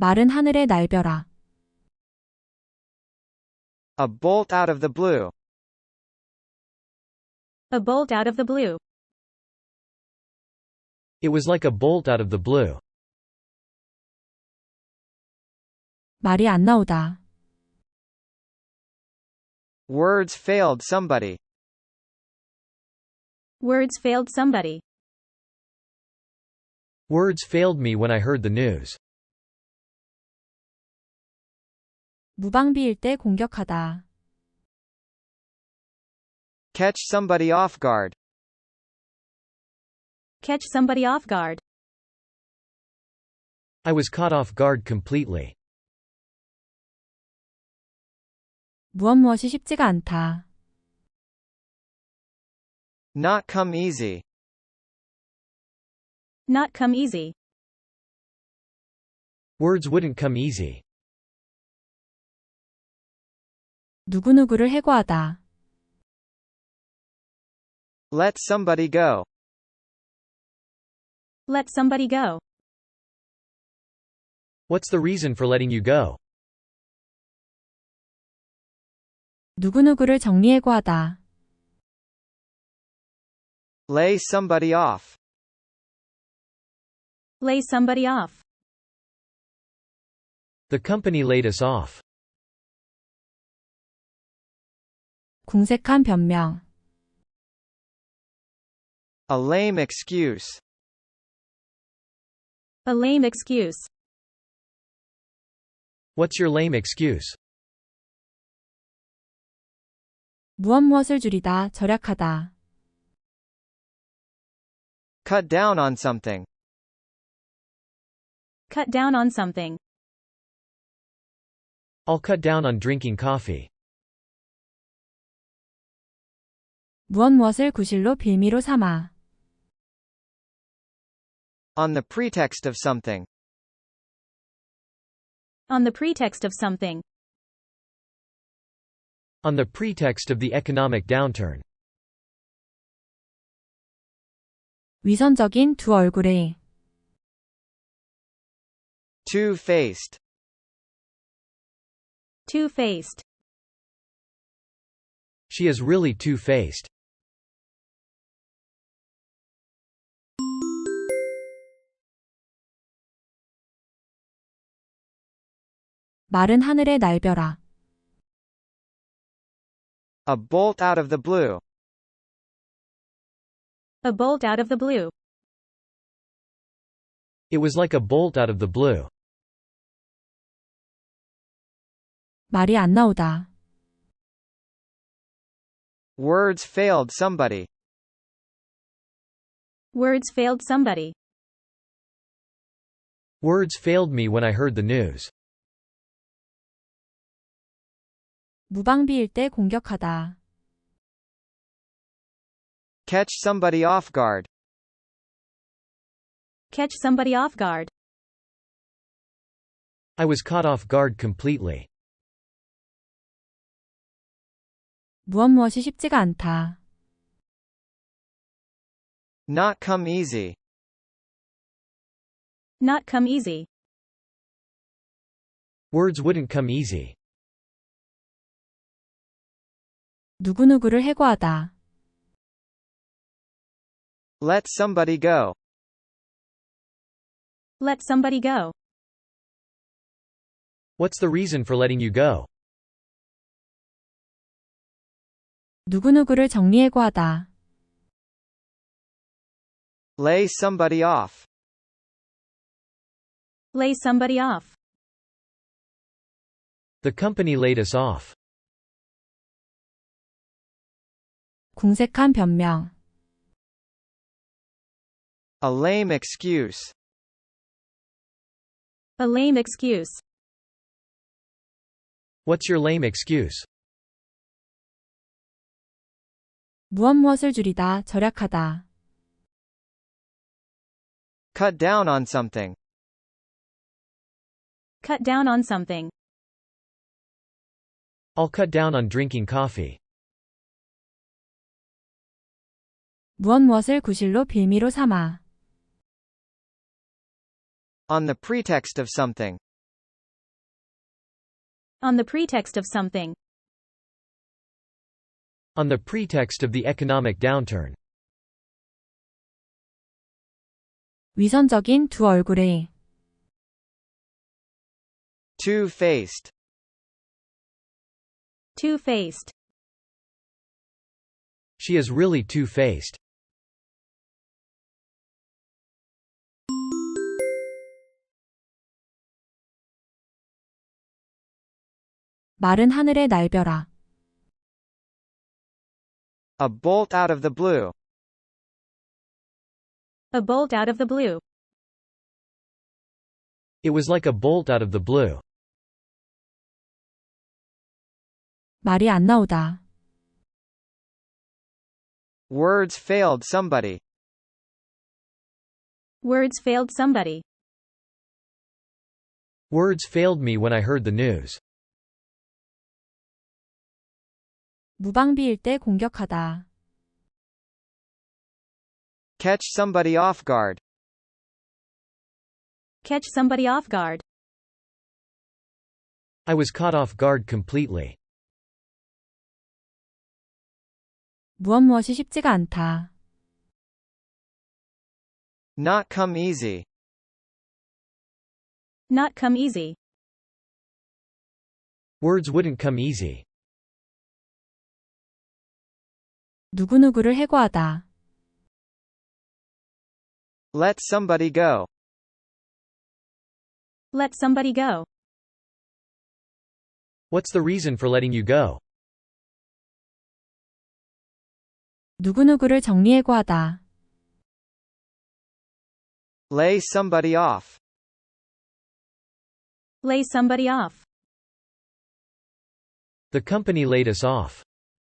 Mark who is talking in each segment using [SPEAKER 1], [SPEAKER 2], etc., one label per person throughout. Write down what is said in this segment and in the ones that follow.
[SPEAKER 1] 마른 하늘의 날벼락.
[SPEAKER 2] A bolt out of the blue.
[SPEAKER 3] A bolt out of the blue.
[SPEAKER 4] It was like a bolt out of the blue.
[SPEAKER 1] 말이 안 나오다.
[SPEAKER 2] Words failed somebody.
[SPEAKER 3] Words failed somebody.
[SPEAKER 4] Words failed me when I heard the news.
[SPEAKER 1] 무방비일 때 공격하다.
[SPEAKER 2] Catch somebody off guard.
[SPEAKER 3] Catch somebody off guard.
[SPEAKER 4] I was caught off guard completely.
[SPEAKER 1] 무엇이 쉽지가 않다.
[SPEAKER 2] Not come easy.
[SPEAKER 3] Not come easy.
[SPEAKER 4] Words wouldn't come easy.
[SPEAKER 1] 누구누구를 해고하다.
[SPEAKER 2] Let somebody go.
[SPEAKER 3] Let somebody go.
[SPEAKER 4] What's the reason for letting you go?
[SPEAKER 1] 누구누구를 정리해고하다.
[SPEAKER 2] Lay somebody off.
[SPEAKER 3] Lay somebody off.
[SPEAKER 4] The company laid us off.
[SPEAKER 1] 궁색한 변명.
[SPEAKER 2] A lame excuse.
[SPEAKER 3] A lame excuse.
[SPEAKER 4] What's your lame excuse?
[SPEAKER 1] 무엇을 줄이다, 절약하다.
[SPEAKER 2] Cut down on something.
[SPEAKER 3] Cut down on something.
[SPEAKER 4] I'll cut down on drinking coffee.
[SPEAKER 1] 무엇을 구실로 빌미로 삼아.
[SPEAKER 2] On the pretext of something.
[SPEAKER 3] On the pretext of something.
[SPEAKER 4] On the pretext of the economic downturn.
[SPEAKER 1] 위선적인 두 얼굴의.
[SPEAKER 2] Two-faced.
[SPEAKER 3] Two-faced.
[SPEAKER 4] She is really two-faced.
[SPEAKER 1] 마른 하늘의 날벼락.
[SPEAKER 2] A bolt out of the blue.
[SPEAKER 3] A bolt out of the blue.
[SPEAKER 4] It was like a bolt out of the blue.
[SPEAKER 1] 말이 안 나오다.
[SPEAKER 2] Words failed somebody.
[SPEAKER 3] Words failed somebody.
[SPEAKER 4] Words failed me when I heard the news.
[SPEAKER 1] 무방비일 때 공격하다.
[SPEAKER 2] Catch somebody off guard.
[SPEAKER 3] Catch somebody off guard.
[SPEAKER 4] I was caught off guard completely.
[SPEAKER 1] 무엇이 쉽지가 않다.
[SPEAKER 2] Not come easy.
[SPEAKER 3] Not come easy.
[SPEAKER 4] Words wouldn't come easy.
[SPEAKER 1] 누구누구를 해고하다.
[SPEAKER 2] Let somebody go.
[SPEAKER 3] Let somebody go.
[SPEAKER 4] What's the reason for letting you go?
[SPEAKER 1] 누구누구를 정리해고하다.
[SPEAKER 2] Lay somebody off.
[SPEAKER 3] Lay somebody off.
[SPEAKER 4] The company laid us off.
[SPEAKER 1] 궁색한 변명.
[SPEAKER 2] A lame excuse.
[SPEAKER 3] A lame excuse.
[SPEAKER 4] What's your lame excuse?
[SPEAKER 1] 무엇을 줄이다, 절약하다.
[SPEAKER 2] Cut down on something.
[SPEAKER 3] Cut down on something.
[SPEAKER 4] I'll cut down on drinking coffee.
[SPEAKER 1] 무엇을 구실로 빌미로 삼아.
[SPEAKER 2] On the pretext of something.
[SPEAKER 3] On the pretext of something.
[SPEAKER 4] On the pretext of the economic downturn.
[SPEAKER 1] 위선적인 두 얼굴의
[SPEAKER 2] Two-faced.
[SPEAKER 3] Two-faced.
[SPEAKER 4] She is really two-faced.
[SPEAKER 1] 마른 하늘의 날벼락
[SPEAKER 2] A bolt out of the blue.
[SPEAKER 3] A bolt out of the blue.
[SPEAKER 4] It was like a bolt out of the blue.
[SPEAKER 1] 말이 안 나오다.
[SPEAKER 2] Words failed somebody.
[SPEAKER 3] Words failed somebody.
[SPEAKER 4] Words failed me when I heard the news.
[SPEAKER 1] 무방비일 때 공격하다.
[SPEAKER 2] Catch somebody off guard.
[SPEAKER 3] Catch somebody off guard.
[SPEAKER 4] I was caught off guard completely.
[SPEAKER 1] 무엇이 쉽지가 않다.
[SPEAKER 2] Not come easy.
[SPEAKER 3] Not come easy.
[SPEAKER 4] Words wouldn't come easy.
[SPEAKER 1] 누구누구를 해고하다.
[SPEAKER 2] Let somebody go.
[SPEAKER 3] Let somebody go.
[SPEAKER 4] What's the reason for letting you go?
[SPEAKER 1] 누구누구를 정리해고하다.
[SPEAKER 2] Lay somebody off.
[SPEAKER 3] Lay somebody off.
[SPEAKER 4] The company laid us off.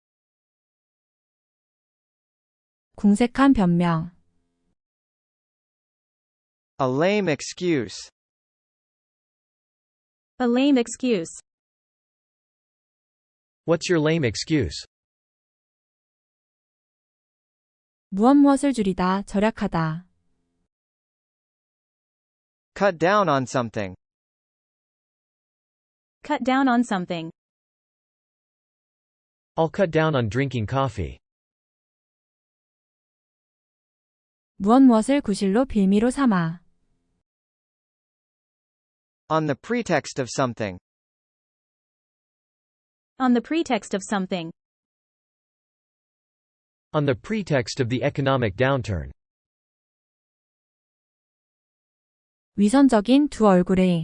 [SPEAKER 1] 궁색한 변명.
[SPEAKER 2] A lame excuse.
[SPEAKER 3] A lame excuse.
[SPEAKER 4] What's your lame excuse?
[SPEAKER 1] 무엇을 줄이다, 절약하다.
[SPEAKER 2] Cut down on something.
[SPEAKER 3] Cut down on something.
[SPEAKER 4] I'll cut down on drinking coffee.
[SPEAKER 1] 무엇을 구실로 빌미로 삼아.
[SPEAKER 2] On the pretext of something.
[SPEAKER 3] On the pretext of something.
[SPEAKER 4] On the pretext of the economic downturn.
[SPEAKER 1] 위선적인 두 얼굴의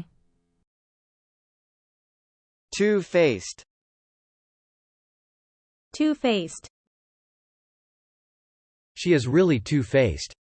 [SPEAKER 2] Two-faced.
[SPEAKER 3] Two-faced.
[SPEAKER 4] She is really two-faced.